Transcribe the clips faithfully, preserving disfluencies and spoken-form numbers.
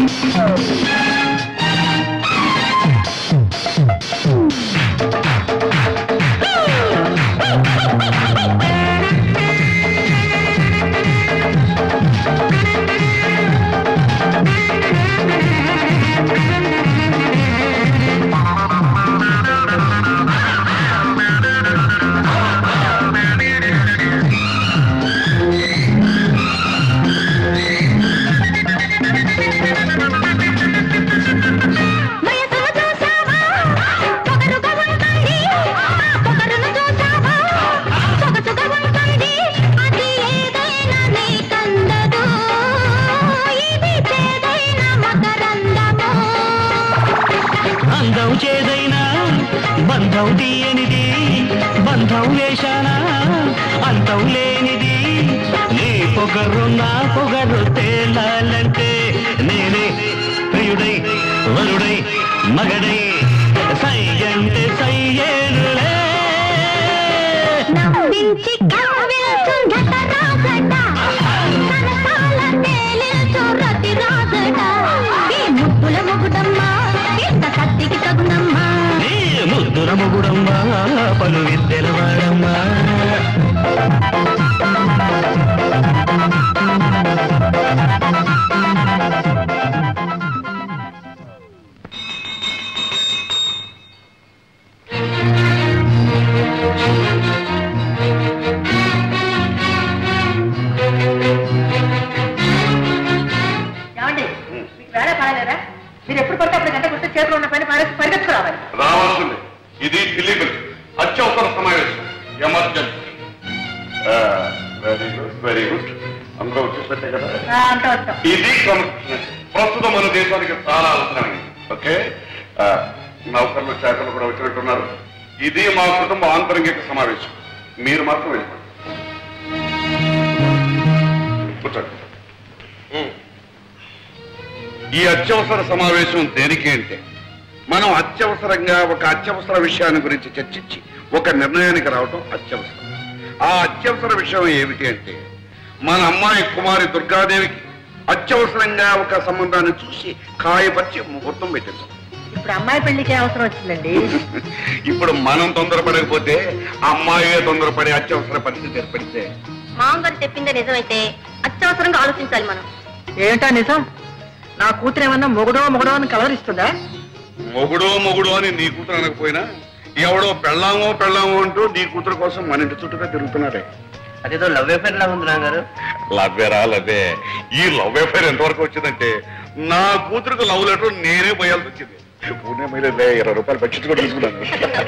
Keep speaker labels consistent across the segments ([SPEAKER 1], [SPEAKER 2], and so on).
[SPEAKER 1] సమావేశం దేనికి అంటే మనం అత్యవసరంగా ఒక అత్యవసర విషయాన్ని గురించి చర్చించి ఒక నిర్ణయానికి రావడం అత్యవసరం. ఆ అత్యవసర విషయం ఏమిటి అంటే మన అమ్మాయి కుమారి దుర్గాదేవికి అత్యవసరంగా ఒక సంబంధాన్ని చూసి ఖాయపరిచి ముహూర్తం పెట్టించాం.
[SPEAKER 2] ఇప్పుడు అమ్మాయి పెళ్లికి అవసరం వచ్చిందండి.
[SPEAKER 1] ఇప్పుడు మనం తొందరపడకపోతే అమ్మాయి తొందరపడే అత్యవసర పరిస్థితి ఏర్పడితే
[SPEAKER 3] మామగారు చెప్పిందే నిజమైతే అత్యవసరంగా ఆలోచించాలి మనం.
[SPEAKER 2] ఏంటా నిజం? నా కూతురు ఏమన్నా మొగుడో మొగుడో అని కలవరిస్తుందా?
[SPEAKER 1] మొగుడో మొగుడో అని నీ కూతురు అనకపోయినా ఎవడో పెళ్ళామో పెళ్ళామో అంటూ నీ కూతురు కోసం మన ఇంటి చుట్టూగా తిరుగుతున్నారే.
[SPEAKER 4] అదేదో లవ్ అఫేర్ లా ఉంది నాన్నగారు.
[SPEAKER 1] లవ్వేరా లవ్వే. ఈ లవ్ అఫేర్ ఎంతవరకు వచ్చిందంటే నా కూతురుకు లవ్ లెటర్ నేనే పోయాల్సి వచ్చింది. పూణే మీద ఇరవై రూపాయలు బడ్జెట్ కూడా తీసుకున్నాను.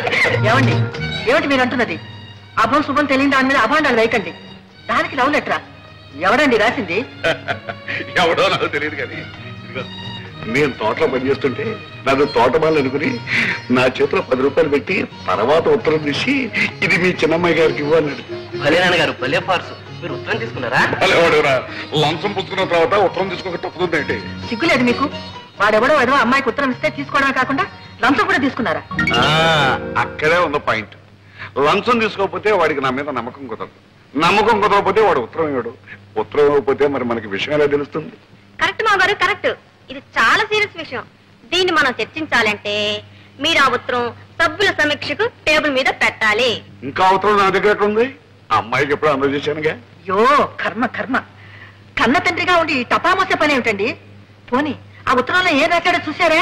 [SPEAKER 2] ఏమండి ఏమిటి మీరు అంటున్నది? అభం శుభం తెలియని దాని మీద అభాండాలు వేయకండి. దానికి లవ్ లెటరా? ఎవడండి రాసింది?
[SPEAKER 1] ఎవడో నాకు తెలియదు కానీ నేను తోటలో పనిచేస్తుంటే నాకు తోటమాలు అనుకుని నా చేతిలో పది రూపాయలు పెట్టి తర్వాత ఉత్తరం తీసి ఇది మీ చిన్నమ్మాయి గారికి ఇవ్వన్నాడు.
[SPEAKER 4] భలే నాన్నగారు భలే ఫార్సు. మీరు ఉత్తరం తీసుకున్నారా?
[SPEAKER 1] వాడురా లంచం పుచ్చుకున్న తర్వాత ఉత్తరం తీసుకోక తప్పుతుందండి.
[SPEAKER 2] సిగ్గులేదు మీకు? వాడెవడో ఏదో అమ్మాయికి ఉత్తరం ఇస్తే తీసుకోవడమే కాకుండా లంచం కూడా తీసుకున్నారా?
[SPEAKER 1] అక్కడే ఉన్న పాయింట్. లంచం తీసుకోకపోతే వాడికి నా మీద నమ్మకం కుదరదు. నమ్మకం కుదరకపోతే వాడు ఉత్తరం ఇవ్వడు. ఉత్తరం ఇవ్వకపోతే మరి మనకి విషయం ఎలా తెలుస్తుంది?
[SPEAKER 3] కరెక్ట్ మా గారు కరెక్ట్. ఇది చాలా సీరియస్ విషయం. దీన్ని మనం చర్చించాలంటే మీరు ఆ ఉత్తరం సభ్యుల సమీక్షకు టేబుల్ మీద పెట్టాలి.
[SPEAKER 1] ఇంకా ఉత్తరం నా దగ్గర ఉంది. అమ్మాయికి ఎప్పుడు అందజేశానుగా.
[SPEAKER 2] యో కర్మ కర్మ. కన్న తండ్రిగా ఉండి టపామోసే పని ఏమిటండి? పోనీ ఆ ఉత్తరంలో ఏం రాశాడో చూసారా?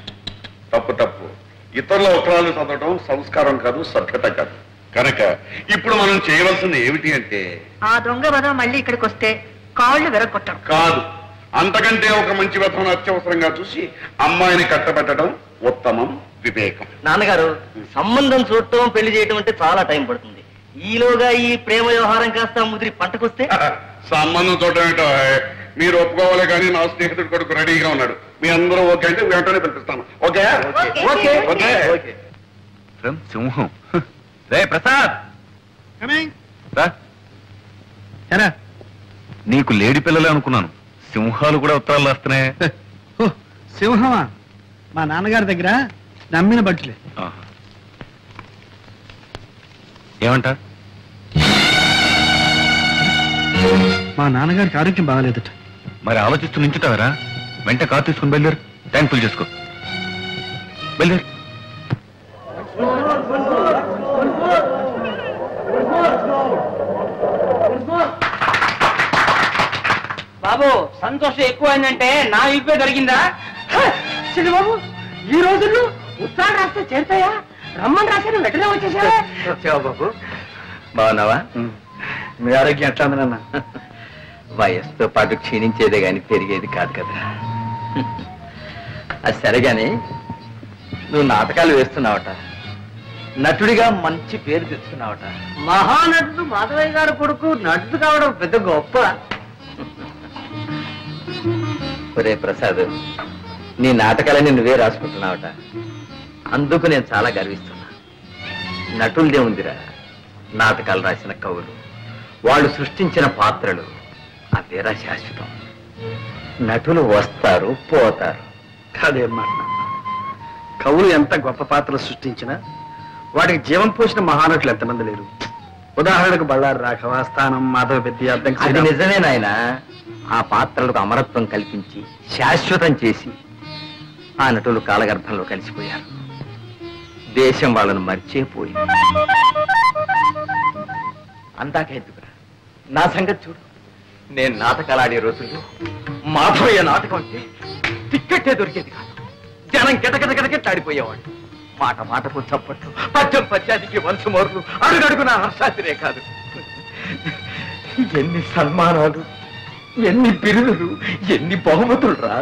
[SPEAKER 1] తప్పు తప్పు. ఇతరుల ఉత్తరాలు చదవడం సంస్కారం కాదు, సభ్యత కాదు. కనుక ఇప్పుడు మనం చేయవలసింది ఏమిటి అంటే
[SPEAKER 2] ఆ దొంగ వదం మళ్ళీ ఇక్కడికి వస్తే కాళ్ళు వెరగొట్టడం
[SPEAKER 1] కాదు, అంతకంటే ఒక మంచి వ్యర్థం అత్యవసరంగా చూసి అమ్మాయిని కట్టబెట్టడం ఉత్తమం, వివేకం.
[SPEAKER 4] నాన్నగారు సంబంధం చూడటం పెళ్లి చేయటం అంటే చాలా టైం పడుతుంది. ఈలోగా ఈ ప్రేమ వ్యవహారం కాస్త ముదిరి పంటకొస్తే
[SPEAKER 1] సంబంధం చూడటం ఏంటో మీరు ఒప్పుకోవాలి కానీ నా స్నేహితుడు కొడుకు రెడీగా ఉన్నాడు. మీ అందరూ ఓకే అంటే వెంటనే పిలిపిస్తాను. Okay okay okay okay.
[SPEAKER 5] సింహం రే ప్రసాద్ నీకు లేడి పిల్లలే అనుకున్నాను. సింహాలు కూడా ఉత్తరాలు రాస్తున్నాయి.
[SPEAKER 6] సింహమా? మా నాన్నగారి దగ్గర నమ్మిన బట్టలే.
[SPEAKER 5] ఏమంట?
[SPEAKER 6] మా నాన్నగారికి ఆరోగ్యం బాగాలేదట.
[SPEAKER 5] మరి ఆలోచిస్తూ నించుతావరా? వెంట కార్ తీసుకుని బయలుదేరు, ట్యాంక్ ఫుల్ చేసుకో. బయలుదేరు.
[SPEAKER 7] బాబు సంతోషం ఎక్కువైందంటే నా ఇప్పే దొరికిందా? బాబు ఈ రోజుల్లో ఉత్తరాలు రాస్తే చేరుతాయా? రమ్మని రాశాను వెంటనే వచ్చేసావా?
[SPEAKER 4] వచ్చావా బాబు? బాగున్నావా? మీ ఆరోగ్యం ఎట్లా ఉంది నాన్న? వయస్సుతో పాటు క్షీణించేదే గాని పెరిగేది కాదు కదా. అది సరేగాని నువ్వు నాటకాలు వేస్తున్నావట, నటుడిగా మంచి పేరు తెచ్చుకున్నావట.
[SPEAKER 7] మహానటుడు మాధవయ్య గారు కొడుకు నటుడు కావడం పెద్ద గొప్ప.
[SPEAKER 4] ఒరే ప్రసాద్, నీ నాటకాలని నువ్వే రాసుకుంటున్నావట, అందుకు నేను చాలా గర్విస్తున్నా. నటులదే ఉందిరా, నాటకాలు రాసిన కవులు, వాళ్ళు సృష్టించిన పాత్రలు అవేరా శాశ్వతం. నటులు వస్తారు పోతారు.
[SPEAKER 6] కాదేం మాట. కవులు ఎంత గొప్ప పాత్రలు సృష్టించినా వాటికి జీవం పోసిన మహానటులు ఎంతమంది లేరు. ఉదాహరణకు బళ్ళారి రాఘవ, స్థానం, మాధవ పెద్ద అర్థం.
[SPEAKER 4] అది నిజమే నాయన. ఆ పాత్రలకు అమరత్వం కల్పించి శాశ్వతం చేసి ఆ నటులు కాలగర్భంలో కలిసిపోయారు. దేశం వాళ్ళను మర్చిపోయింది. అందాక ఎత్తుకురా, నా సంగతి చూడు. నేను నాటకాలు ఆడే రోజుల్లో మాధవయ్య నాటకం అంటే టిక్కెట్టే దొరికేది కాదు. జనం గిటగిటగిటగిట్లాడిపోయేవాడు. మాట మాటకు చప్పట్లు, పద్యం పద్యానికి వంశమోర్లు, అడుగడుగున హర్షాతిరే కాదు. ఎన్ని సన్మానాలు, ఎన్ని బిరుదులు, ఎన్ని బహుమతులు రా.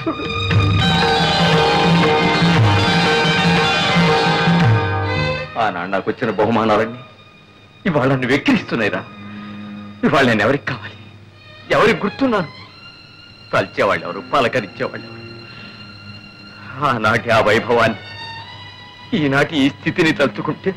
[SPEAKER 4] ఆనాడు నాకు వచ్చిన బహుమానాలన్నీ ఇవాళ నన్ను వెక్కిరిస్తున్నాయిరా. ఇవాళ నేను ఎవరికి కావాలి, ఎవరికి గుర్తున్నాను? తలిచేవాళ్ళు ఎవరు, పలకరించేవాళ్ళు ఎవరు? ఆనాటి ఆ వైభవాన్ని ఈనాటి ఈ స్థితిని తలుచుకుంటే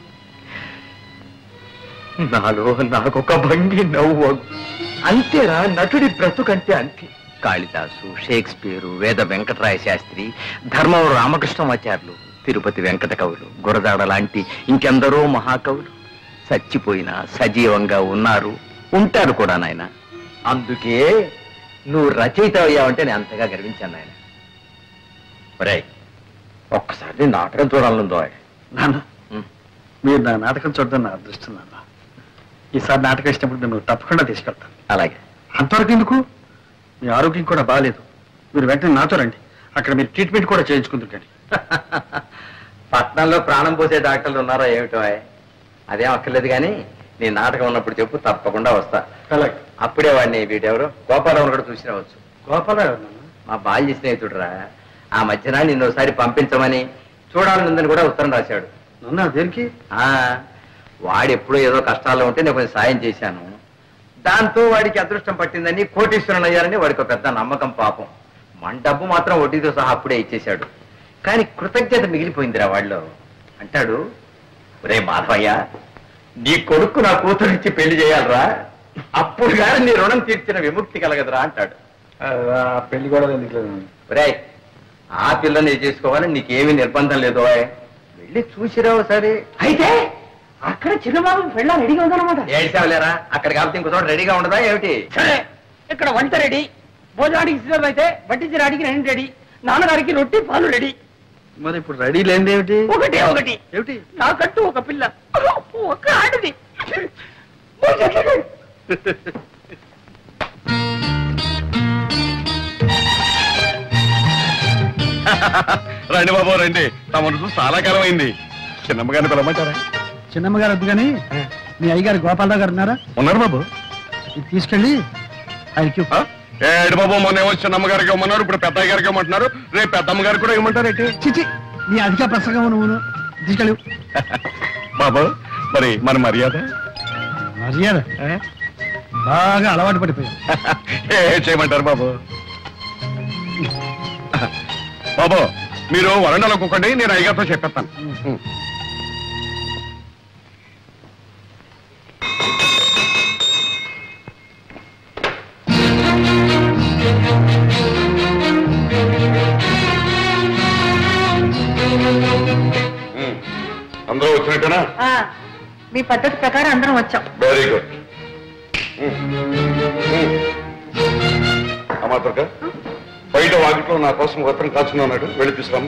[SPEAKER 4] నాలో నాకొక భంగి నవ్వు. అంతేరా నటుడి బ్రతుకంటే అంతే. కాళిదాసు, షేక్స్పియరు, వేద వెంకటరాయ శాస్త్రి, ధర్మవరం రామకృష్ణమాచార్యులు, తిరుపతి వెంకట కవులు, గురజాడ లాంటి ఇంకెందరో మహాకవులు చచ్చిపోయినా సజీవంగా ఉన్నారు, ఉంటారు కూడా నాయన. అందుకే నువ్వు రచయిత అయ్యావంటే నేను అంతగా గర్వించాను నాయన. ఒరే, ఒక్కసారి నాటకం చూడాలనుందో.
[SPEAKER 6] నాన్న, మీరు నా నాటకం చూడడం నా అదృష్టం నాన్న. ఈసారి నాటకం ఇచ్చినప్పుడు నేను తప్పకుండా తీసుకెళ్తాను.
[SPEAKER 4] అలాగే.
[SPEAKER 6] అంతవరకు ఎందుకు? మీ ఆరోగ్యం కూడా బాగాలేదు. మీరు వెంటనే నాతో రండి, అక్కడ మీరు ట్రీట్మెంట్ కూడా చేయించుకుంటుంటండి.
[SPEAKER 4] పట్నంలో ప్రాణం పోసే డాక్టర్లు ఉన్నారా ఏమిటో? అదేం అక్కర్లేదు కానీ నీ నాటకం ఉన్నప్పుడు చెప్పు, తప్పకుండా వస్తా.
[SPEAKER 6] అలాగే.
[SPEAKER 4] అప్పుడే వాడిని వీటెవరు గోపాలరావు కూడా చూసి రావచ్చు.
[SPEAKER 6] గోపాలరావు నాన్న?
[SPEAKER 4] మా బాల్య స్నేహితుడురా. ఆ మధ్యన నిన్ను ఒకసారి పంపించమని చూడాలనుందని కూడా ఉత్తరం రాశాడు.
[SPEAKER 6] నాన్న దేనికి?
[SPEAKER 4] ఆ వాడు ఎప్పుడో ఏదో కష్టాల్లో ఉంటే నేను కొంచెం సాయం చేశాను. దాంతో వాడికి అదృష్టం పట్టిందని, కోటీశ్వరుని అయ్యారని వాడికి ఒక పెద్ద నమ్మకం. పాపం మన డబ్బు మాత్రం వడ్డీతో సహా అప్పుడే ఇచ్చేశాడు. కానీ కృతజ్ఞత మిగిలిపోయిందిరా వాళ్ళు. అంటాడు, ఒరే మాధవయ్య, నీ కొడుకు నా కూతురు ఇచ్చి పెళ్లి చేయాలరా, అప్పుడు కానీ నీ రుణం తీర్చిన విముక్తి కలగదురా అంటాడు.
[SPEAKER 6] పెళ్లి కూడా ఎందుకు?
[SPEAKER 4] ఒరే, ఆ పిల్లని చేసుకోవాలని నీకేమీ నిర్బంధం లేదు, వెళ్ళి చూసిరావు సరే.
[SPEAKER 7] అయితే అక్కడ చిన్నబాబు పెళ్ళ రెడీగా ఉందన్నమాట.
[SPEAKER 4] ఏడ్చావులేరా, అక్కడ కాబట్టి ఇంకో చోట రెడీగా ఉండదా ఏమిటి?
[SPEAKER 7] సరే, ఇక్కడ వంట రెడీ, భోజనానికి సిద్ధం అయితే వడ్డించడానికి రెండు రెడీ, నాన్నగారికి రొట్టి పాలు రెడీ.
[SPEAKER 6] మరి ఇప్పుడు రెడీ లేనిది ఏమిటి?
[SPEAKER 7] ఒకటే ఒకటి
[SPEAKER 6] ఏమిటి?
[SPEAKER 7] నాకంటూ ఒక పిల్ల, ఒక ఆడది.
[SPEAKER 5] రండి బాబు రండి, తమను చూసి చాలా కాలం అయింది. చిన్నమ్మగారిని పిలవమంటారా?
[SPEAKER 6] చిన్నమ్మగారు వద్దు కానీ మీ అయ్యగారు గోపాలరావు గారు ఉన్నారా?
[SPEAKER 5] ఉన్నారు బాబు.
[SPEAKER 6] ఇది తీసుకెళ్ళి ఆయనకి.
[SPEAKER 5] ఏడు బాబు, మొన్న ఏమో చిన్నమ్మగారికి ఇవ్వమన్నారు, ఇప్పుడు పెద్దయ్య గారికి ఇవ్వమంటున్నారు, రేపు పెద్దమ్మ గారికి కూడా ఇవ్వమంటారు ఏంటి?
[SPEAKER 6] చిచి, నీ అధిక ప్రసంగం నువ్వు తీసుకెళ్ళు.
[SPEAKER 5] బాబు మరి మన మర్యాద
[SPEAKER 6] మర్యాద బాగా అలవాటు పడిపోయావు.
[SPEAKER 5] ఏ చేయమంటారు బాబు? బాబు మీరు వరండాలో కూకండి, నేను అయ్యగారితో చెప్పేస్తాను. అందరూ వచ్చినట్టేనా?
[SPEAKER 2] మీ పద్ధతి ప్రకారం అందరం వచ్చాం.
[SPEAKER 5] Very good. అమ్మా దుర్గా,
[SPEAKER 1] బయట వాకిట్లో నా కోసం ఉత్తరం కాచున్నాడు, వెళ్ళి తీసుకురామ్మా.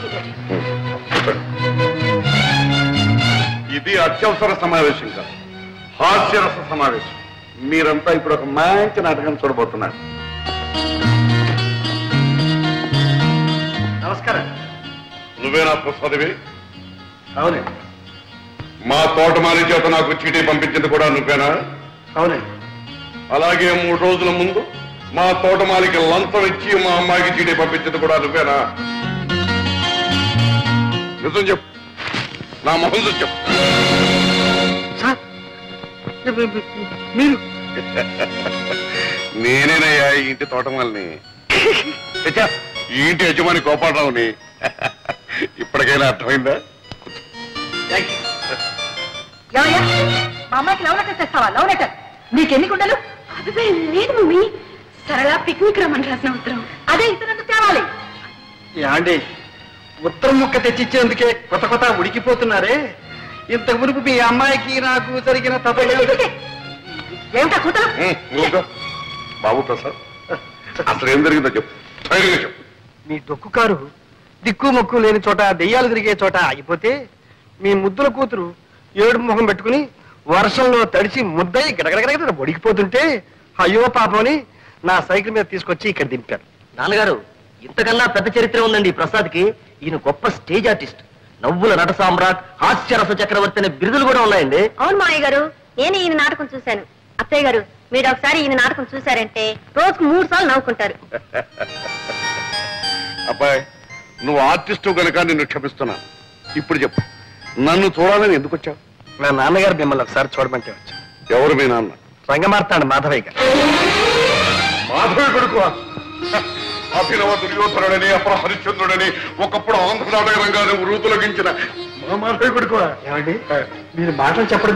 [SPEAKER 1] ఇది అత్యవసర సమావేశం కాదు, హాస్యరస సమావేశం. మీరంతా ఇప్పుడు ఒక మంచి నాటకం చూడబోతున్నారు.
[SPEAKER 6] నమస్కారం.
[SPEAKER 1] నువ్వేనా ప్రసాదివి?
[SPEAKER 6] అవునండి.
[SPEAKER 1] మా తోటమాలి చేత నాకు చీటీ పంపించింది కూడా నువ్వేనా?
[SPEAKER 6] అవునండి.
[SPEAKER 1] అలాగే మూడు రోజుల ముందు మా తోటమాలికి లంచం ఇచ్చి మా అమ్మాయికి చీటీ పంపించింది కూడా నువ్వేనా? నిజం చెప్పు, నా మొహం చూసి చెప్పు.
[SPEAKER 6] మీరు
[SPEAKER 1] నేనేనయ్యా ఈ ఇంటి తోటమాలిని, ఈ ఇంటి యజమాని గోపాలరావుని. ఇప్పటికైనా అర్థమైందా?
[SPEAKER 2] ఏమయ్యా, మా అమ్మాయికి లవ్ లెటర్ తెస్తావా? లవ్ లెటర్ నీకెన్ని గుండెలు?
[SPEAKER 3] అదే లేదు మమ్మీ, సరళ పిక్నిక్ రమ్మని రాసిన ఉత్తరం.
[SPEAKER 2] అదే ఇతరులకు తేవాలి.
[SPEAKER 6] యాండి, ఉత్తరం ముక్క తెచ్చిచ్చేందుకే కొత్త కొత్త ఉడికిపోతున్నారే. ఇంత మునుపు మీ అమ్మాయికి నాకు జరిగిన తప్ప
[SPEAKER 2] ఏమిటా కూతురు?
[SPEAKER 1] ఊరుకో. బాబు ప్రసాద్, అసలు ఏం జరిగిందో చెప్పు, ధైర్యంగా చెప్పు.
[SPEAKER 6] మీ దొక్కు కారు దిక్కు మొక్కు లేని చోట దెయ్యాలు తిరిగే చోట ఆగిపోతే మీ ముద్దుల కూతురు ఏడు ముఖం పెట్టుకుని వర్షంలో తడిచి ముద్దయి గడగడగడ ఒడికిపోతుంటే అయ్యో పాపని నా సైకిల్ మీద తీసుకొచ్చి ఇక్కడ దింపారు.
[SPEAKER 4] నాన్నగారు, ఇంతకన్నా పెద్ద చరిత్ర ఉందండి ఈ ప్రసాద్కి. ఈయన గొప్ప స్టేజ్ ఆర్టిస్ట్, నవ్వుల నట సామ్రాట్, హాస్యరస చక్రవర్తి అనే బిరుదులు కూడా ఉన్నాయండి.
[SPEAKER 3] అవును మావయ్య గారు, నేను ఈయన నాటకం చూశాను. అత్తయ్య గారు, మీరు ఒకసారి ఈయన నాటకం చూశారంటే రోజుకు మూడు సార్లు నవ్వుకుంటారు.
[SPEAKER 1] అబ్బాయి, నువ్వు ఆర్టిస్టు కనుక నిన్ను క్షమిస్తున్నాను. ఇప్పుడు చెప్పు, నన్ను చూడాలని ఎందుకు వచ్చావు?
[SPEAKER 6] నా నాన్నగారు మిమ్మల్ని ఒకసారి చూడమంటే వచ్చా.
[SPEAKER 1] ఎవరు మీ నాన్న?
[SPEAKER 6] రంగమార్తాడు మాధవయ్య గారు.
[SPEAKER 1] మాధవి కొడుకు, అభినవ దుర్యోధనుడని అప్పుడు హరిశ్చంద్రుడని ఒకప్పుడు ఆంధ్ర నాటక రంగాన్ని వృతులగించిన మా మాధవి కొడుకు.
[SPEAKER 6] ఏమండి, మీరు మాటలు చెప్పడం